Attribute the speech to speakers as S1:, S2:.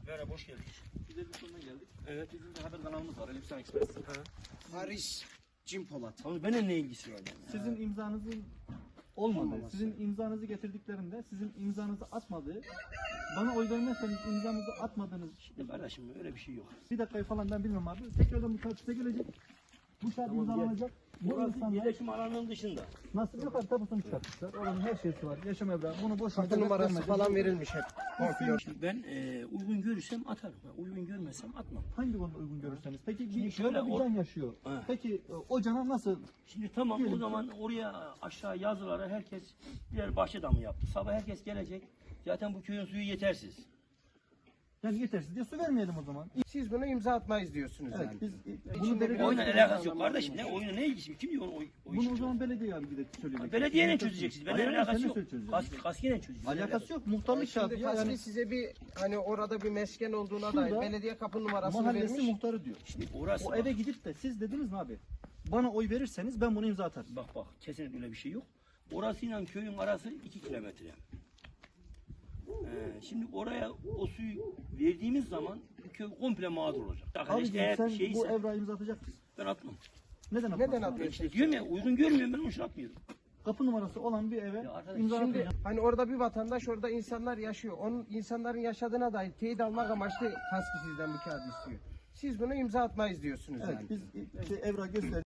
S1: Merhaba, hoş geldiniz.
S2: Biz Elbistan'dan geldik.
S1: Evet.
S2: Bizim de haber kanalımız var, Elbistan Express.
S3: Paris Cim Polat.
S1: Abi benimle ne ilgisi var yani?
S2: Sizin imzanızın olmadığı,
S3: Olmaması.
S2: sizin imzanızı getirdiklerinde sizin imzanızı atmadığı, bana oy vermezseniz imzanızı atmadığınız,
S1: Şimdi kardeşim öyle bir şey yok.
S2: bir dakikayı falan ben bilmem abi. Tekrardan bu kağıt size gelecek. Bu kağıt imzalanacak. Bu
S1: Burası
S2: insanlar
S1: yerleşim alanının dışında.
S2: nasıl yapar tapusunu çıkartmışlar. Oranın her şeysi var. Yaşam evrağı. Bunu boş
S3: Kapı numarası falan verilmiş hep. Komple.
S1: Şimdi ben uygun görürsem atarım. Uygun görmezsem atmam.
S2: hangi konuda uygun görürseniz. Peki
S1: Şimdi
S2: bir
S1: şöyle,
S2: şöyle bir can yaşıyor.
S1: Ha.
S2: Peki o cana nasıl?
S1: Şimdi tamam
S2: Diyelim
S1: o
S2: ki-
S1: zaman oraya aşağı yazılara herkes birer bahçe damı yaptı. Sabah herkes gelecek. Zaten bu köyün suyu yetersiz.
S2: Yani yetersiz diye su vermeyelim o zaman.
S3: Siz bunu imza atmayız diyorsunuz
S2: Evet
S3: yani.
S2: biz bunu
S3: İçinde
S2: belediye
S3: bir
S1: Oyunla
S3: Evet.
S1: alakası yok kardeşim. Ne oyuna ne ilgisi? Kim diyor o
S2: bunu
S1: işi?
S2: o zaman belediye abi gidip söyleyecek.
S1: Belediyeyle çözeceksiniz. Benimle
S2: Hayır,
S1: alakası
S2: seninle
S1: yok.
S2: çözeceğiz.
S1: Kaskiyle çözeceğiz.
S2: Alakası yok. Muhtarlık
S3: Şimdi
S2: kağıdı ya.
S3: Kaski
S2: Yani
S3: size bir hani orada bir mesken olduğuna
S2: Şurada
S3: dair belediye kapı numarasını
S2: mahallesi
S3: vermiş.
S2: muhtarı diyor.
S1: Şimdi orası
S2: O
S1: bak,
S2: eve gidip de siz dediniz mi abi? Bana oy verirseniz ben bunu imza atarım.
S1: bak kesinlikle öyle bir şey yok. Orasıyla köyün arası 2 kilometre. Şimdi oraya o suyu verdiğimiz zaman bu köy komple mağdur olacak. Arkadaş
S2: Abi
S1: eğer
S2: sen
S1: şeyse
S2: bu evrağı imza atacak mısın?
S1: ben atmam.
S2: Neden atmazsın?
S3: Neden
S2: abi?
S3: atmıyorsun?
S1: İşte diyorum ya uygun görmüyorum ben onun için atmıyorum.
S2: Kapı numarası olan bir eve
S1: Ya arkadaş,
S2: imza
S3: Şimdi
S2: atmayacağım.
S3: hani orada bir vatandaş, orada insanlar yaşıyor. Onun insanların yaşadığına dair teyit almak amaçlı Kaski sizden bu kağıdı istiyor. Siz bunu imza atmayız diyorsunuz
S2: Evet
S3: yani.
S2: biz evrağı göster.